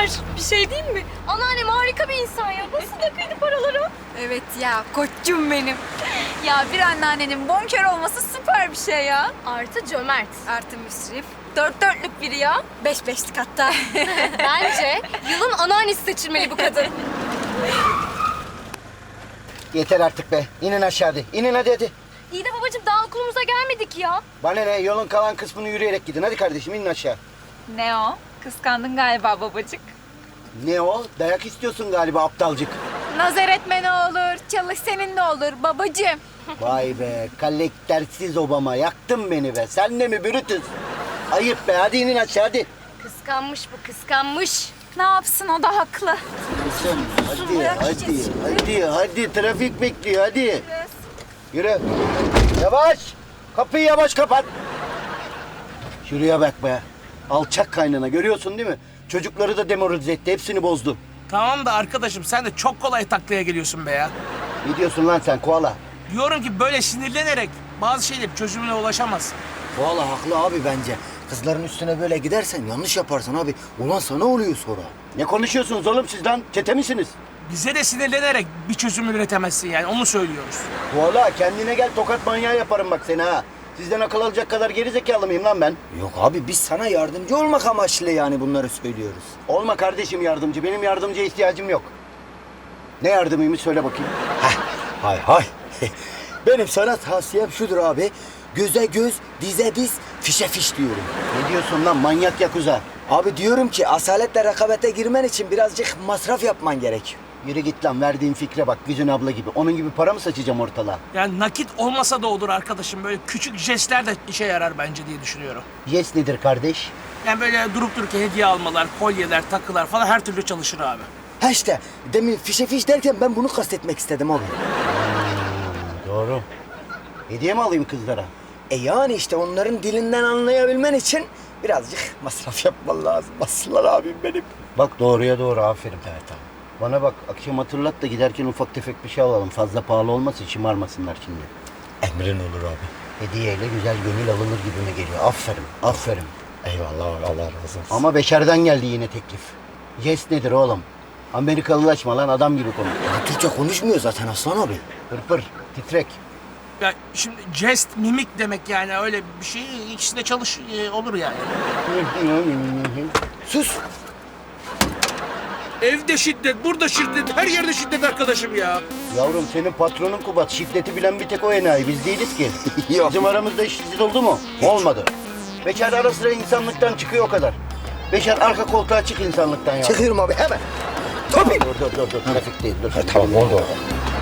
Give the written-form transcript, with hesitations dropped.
süper. Bir şey diyeyim mi? Anneannem harika bir insan ya. Nasıl da kıydı paraları? Evet ya, koçum benim. Ya bir anneannenin bonkör olması süper bir şey ya. Artı cömert. Artı müsrif. Dört dörtlük biri ya. Beş beşlik hatta. Bence yılın anneannesi seçilmeli bu kadın. Yeter artık be. İnin aşağıda. İnin hadi. İyi de babacığım daha okulumuza gelmedik ya. Bana ne? Yolun kalan kısmını yürüyerek gidin. Hadi kardeşim inin aşağı. Ne o? Kıskandın galiba babacık. Ne o? Dayak istiyorsun galiba aptalcık. Nazar etme ne olur, çalış senin ne olur babacığım. Vay be. Kalektersiz Obama. Yaktın beni be. Sen de mi Brutus? Ayıp be. Hadi inin aşağı hadi. Kıskanmış bu, kıskanmış. Ne yapsın o da haklı. Kızım, hadi. Trafik bekliyor hadi. Yürü. Yavaş. Kapıyı yavaş kapat. Şuraya bak be. Alçak kaynana görüyorsun değil mi? Çocukları da demoralize etti. Hepsini bozdu. Tamam da arkadaşım sen de çok kolay taklaya geliyorsun be ya. Ne diyorsun lan sen koala? Diyorum ki böyle sinirlenerek bazı şeyler çözümüne ulaşamazsın. Valla haklı abi bence. Kızların üstüne böyle gidersen yanlış yaparsın abi. Ulan sana oluyor sonra. Ne konuşuyorsunuz oğlum siz lan? Çete misiniz? Bize de sinirlenerek bir çözüm üretemezsin yani onu söylüyoruz. Koala kendine gel tokat manyağı yaparım bak seni ha. Sizden akıl alacak kadar geri zekalı mıyım lan ben? Yok abi biz sana yardımcı olmak amaçlı yani bunları söylüyoruz. Olma kardeşim yardımcı. Benim yardımcıya ihtiyacım yok. Ne yardımıymış söyle bakayım. Hay hay. Benim sana tavsiyem şudur abi. Göze göz, dize diz, fişe fiş diyorum. Ne diyorsun lan manyak yakuza? Abi diyorum ki asaletle rekabete girmen için birazcık masraf yapman gerek. Yürü git lan verdiğin fikre bak Güzin abla gibi. Onun gibi para mı saçacağım ortalığa? Yani nakit olmasa da olur arkadaşım. Böyle küçük jestler de işe yarar bence diye düşünüyorum. Yes nedir kardeş? Yani böyle durup dururken hediye almalar, kolyeler, takılar falan her türlü çalışır abi. Ha işte demin fişe fiş derken ben bunu kastetmek istedim abi. Doğru. Hediye mi alayım kızlara? Yani işte onların dilinden anlayabilmen için birazcık masraf yapman lazım. Aslan abim benim. Bak doğruya doğru aferin. Evet abi. Bana bak akşam hatırlat da giderken ufak tefek bir şey alalım. Fazla pahalı olmasın şımarmasınlar şimdi. Emrin olur abi. Hediyeyle güzel gönül alınır gibime geliyor. Aferin, aferin. Eyvallah abi, Allah razı olsun. Ama Beşer'den geldi yine teklif. Yes nedir oğlum? Amerikalılaşma lan adam gibi konuş. Ya Türkçe konuşmuyor zaten Aslan abi. Pırpır, titrek. Ya şimdi jest, mimik demek yani öyle bir şey ikisi de olur yani. Sus. Evde şiddet, burada şiddet, her yerde şiddet arkadaşım ya. Yavrum senin patronun Kubat. Şiddeti bilen bir tek o enayi. Biz değiliz ki. Yok. Bizim aramızda şiddet oldu mu? Olmadı. Beşer ara sıra insanlıktan çıkıyor o kadar. Beşer arka koltuğa çık insanlıktan ya. Çıkıyorum abi hemen. Tabii. Dur. Trafikteyiz dur. Tamam oldu.